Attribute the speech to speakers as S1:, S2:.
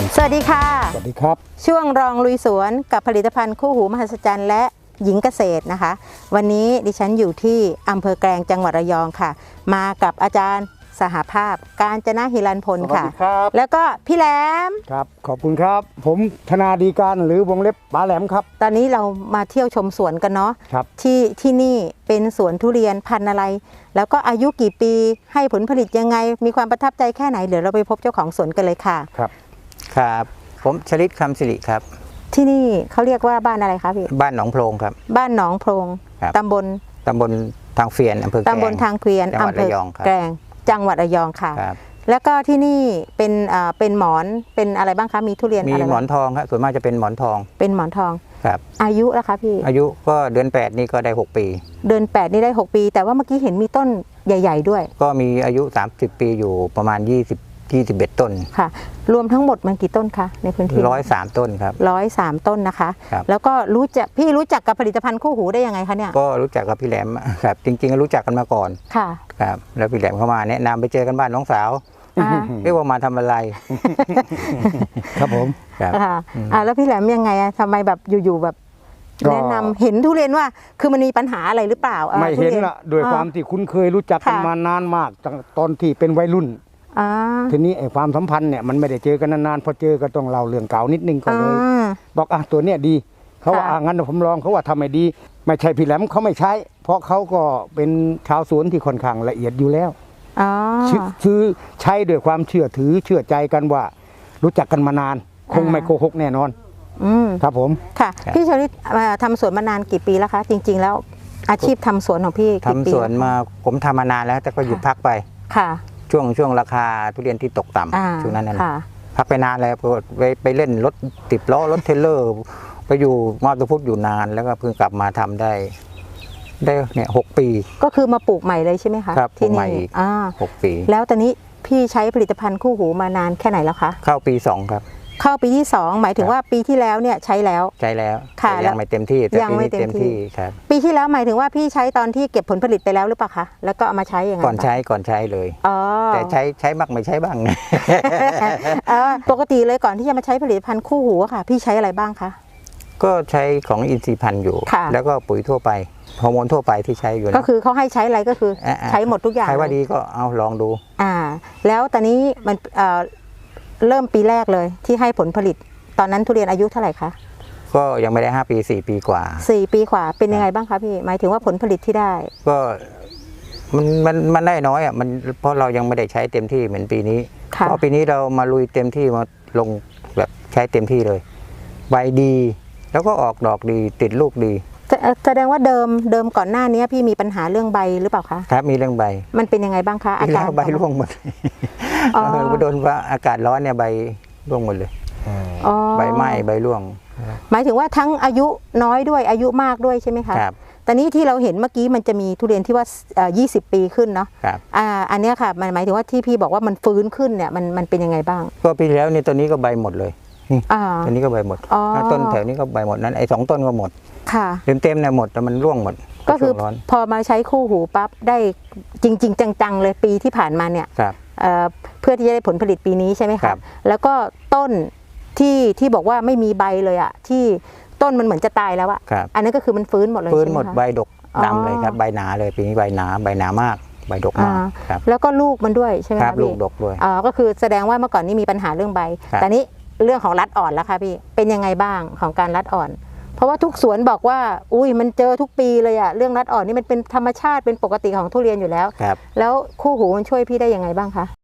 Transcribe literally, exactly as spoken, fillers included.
S1: สวัสดีค่ะ
S2: สวัสดีครับ
S1: ช่วงรองลุยสวนกับผลิตภัณฑ์คู่หูมหัศจรรย์และหญิงเกษตรนะคะวันนี้ดิฉันอยู่ที่อำเภอแกลงจังหวัดระยองค่ะมากับอาจารย์สหภาพกาญจนหิรันพลค่ะ
S2: สวัสดีครับ
S1: แล้วก็พี่แหลม
S2: ครับขอบคุณครับผมธนาดีการหรือวงเล็บป๋าแหลมครับ
S1: ตอนนี้เรามาเที่ยวชมสวนกันเนาะ
S2: ครับ
S1: ที่ที่นี่เป็นสวนทุเรียนพันธุ์อะไรแล้วก็อายุกี่ปีให้ผลผลิตยังไงมีความประทับใจแค่ไหนเดี๋ยวเราไปพบเจ้าของสวนกันเลยค่ะ
S2: ครับ
S3: ครับผมชลิตคำสิริครับ
S1: ที่นี่เขาเรียกว่าบ้านอะไรคะพี่
S3: บ้านหนองโพรงครับ
S1: บ้านหนองโพรงตำบล
S3: ตำบลทางเฟียนอำเภอแกลง
S1: ตำบลทางเกวียน
S3: อำเภอ
S1: แกลงจังหวัดระยองค่ะแล้วก็ที่นี่เป็นอ่าเป็นหมอนเป็นอะไรบ้างคะมีทุเรียน
S3: มีหมอนทองครับส่วนมากจะเป็นหมอนทอง
S1: เป็นหมอนทอง
S3: ครับ
S1: อายุล่ะคะพี่
S3: อายุก็เดือนแปดนี่ก็ได้หกปี
S1: เดือนแปดนี่ได้หกปีแต่ว่าเมื่อกี้เห็นมีต้นใหญ่ๆด้วย
S3: ก็มีอายุสามสิบปีอยู่ประมาณยี่สิบ ยี่สิบเอ็ดต้น
S1: ค่ะรวมทั้งหมดมันกี่ต้นคะในพื้นที่
S3: หนึ่งร้อยสามต้นครับ
S1: หนึ่งร้อยสามต้นนะคะแล้วก็รู้จักพี่รู้จักกับผลิตภัณฑ์คู่หูได้ยังไงคะเนี่ย
S3: ก็รู้จักกับพี่แหลมครับจริงๆรู้จักกันมาก่อน
S1: ค่ะ
S3: ครับแล้วพี่แหลมเข้ามาแนะนำไปเจอกันบ้านน้องสาวเรียกว่ามาทำอะไร
S2: ครับผม
S3: ครับ
S1: อ่าแล้วพี่แหลมยังไงอะทำไมแบบอยู่ๆแบบแนะนำเห็นทุเรียนว่าคือมันมีปัญหาอะไรหรือเปล่า
S2: ไม่เห็นละโดยความที่คุ้นเคยรู้จักกันมานานมากตอนที่เป็นวัยรุ่นทีนี้ไอ้ความสัมพันธ์เนี่ยมันไม่ได้เจอกันนานๆพอเจอก็ต้องเล่าเรื่องเก่านิดนึงก็เลยบอกอ่ะตัวเนี้ยดีเขาว่าอ่ะงั้นผมลองเขาว่าทำไม่ดีไม่ใช่พี่แหลมเขาไม่ใช้เพราะเขาก็เป็นชาวสวนที่ค่อนข้างละเอียดอยู่แล้วซื้อใช้ด้วยความเชื่อถือเชื่อใจกันว่ารู้จักกันมานานคงไม่โกหกแน่นอนครับผม
S1: ค่ะพี่ชลิตทำสวนมานานกี่ปีแล้วคะจริงๆแล้วอาชีพทำสวนของพี่
S3: ทำสวนมาผมทำมานานแล้วแต่ก็หยุดพักไป
S1: ค่ะ
S3: ช่วงช่วงราคาทุเรียนที่ตกต่ำช่วงนั้นนั่นพักไปนานแล้วไปไปเล่นรถติดล้อรถเทรลเลอร์ไปอยู่มาตุพุทธอยู่นานแล้วก็เพิ่งกลับมาทำได้ได้เนี่ยหกปี
S1: ก็คือมาปลูกใหม่เลยใช่ไหมคะ
S3: ครับปลูกใหม่อีกหกปี
S1: แล้วตอนนี้พี่ใช้ผลิตภัณฑ์คู่หูมานานแค่ไหนแล้วคะ
S3: เข้าปีสองครับ
S1: เข้าปีที่สองหมายถึงว่าปีที่แล้วเนี่ยใช้แล้ว
S3: ใช้แล้วค่ะยังไม่เต็มที่แต่ปีนี้เต็มที่ครับ
S1: ปีที่แล้วหมายถึงว่าพี่ใช้ตอนที่เก็บผลผลิตไปแล้วหรือเปล่าคะแล้วก็เอามาใช้ยังไง
S3: ก่อนใช้ก่อนใช้เลยแต่ใช้ใช้บ้างไม่ใช้บ้าง
S1: ปกติเลยก่อนที่จะมาใช้ผลิตภัณฑ์คู่หูค่ะพี่ใช้อะไรบ้างคะ
S3: ก็ใช้ของอินทรีย์พันธุ์อยู่แล้วก็ปุ๋ยทั่วไปฮอร์โมนทั่วไปที่ใช้อยู่
S1: ก็คือเขาให้ใช้อะไรก็คือใช้หมดทุกอย่าง
S3: ใครว่าดีก็เอาลองดู
S1: อ่าแล้วตอนนี้มันเริ่มปีแรกเลยที่ให้ผลผลิตตอนนั้นทุเรียนอายุเท่าไหร่คะ
S3: ก็ยังไม่ได้ห้าปีสี่ปีกว่า
S1: สี่ปีกว่าเป็นยังไงบ้างคะพี่หมายถึงว่าผลผลิตที่ได้
S3: ก็มันมันมันได้น้อยอ่ะมันเพราะเรายังไม่ได้ใช้เต็มที่เหมือนปีนี้เพราะปีนี้เรามาลุยเต็มที่มาลงแบบใช้เต็มที่เลยใบดีแล้วก็ออกดอกดีติดลูกดี
S1: แสดงว่าเดิมเดิมก่อนหน้านี้พี่มีปัญหาเรื่องใบหรือเปล่าคะ
S3: ครับมีเรื่องใบ
S1: มันเป็นยังไงบ้างคะอาการ
S3: ใบร่วงหมดเออโดนว่าอากาศร้อนเนี่ยใบร่วงหมดเลยใบไหม้ใบร่วง
S1: หมายถึงว่าทั้งอายุน้อยด้วยอายุมากด้วยใช่ไหมคะ
S3: ครับ
S1: แต่นี้ที่เราเห็นเมื่อกี้มันจะมีทุเรียนที่ว่ายี่สิบปีขึ้นเนาะ
S3: ครับ
S1: อ่าอันนี้ค่ะมันหมายถึงว่าที่พี่บอกว่ามันฟื้นขึ้นเนี่ยมันมันเป็นยังไงบ้าง
S3: ก็ปีแล้วนี่ตัวนี้ก็ใบหมดเลยนี่ตัวนี้ก็ใบหมดต้นแถวนี้ก็ใบหมดนั้นไอ้สองต้นก็หมด
S1: ค่ะ
S3: เต็มเต็มเนี่ยหมดแต่มันร่วงหมด
S1: ก็คือพอมาใช้คู่หูปั๊บได้จริงๆจังๆเลยปีที่ผ่านมาเนี่ยเพื่อที่จะได้ผลผลิตปีนี้ใช่ไหมคะแล้วก็ต้นที่ที่บอกว่าไม่มีใบเลยอ่ะที่ต้นมันเหมือนจะตายแล้วอ่ะอันนั้นก็คือมันฟื้นหมดเลย
S3: ฟื้นหมดใบดกดำเลยครับใบหนาเลยปีนี้ใบหนาใบหนามากใบดกมากครับ
S1: แล้วก็ลูกมันด้วยใช่ไหม
S3: ครับลูกดกด้วย
S1: อ๋อก็คือแสดงว่าเมื่อก่อนนี้มีปัญหาเรื่องใบแต่นี้เรื่องของรัดอ่อนแล้วค่ะพี่เป็นยังไงบ้างของการรัดอ่อนเพราะว่าทุกสวนบอกว่าอุ้ยมันเจอทุกปีเลยอะเรื่องรัดอ่อนนี่มันเป็นธรรมชาติเป็นปกติของทุเรียนอยู่แล้วแล้วคู่หูมันช่วยพี่ได้ยังไงบ้างคะ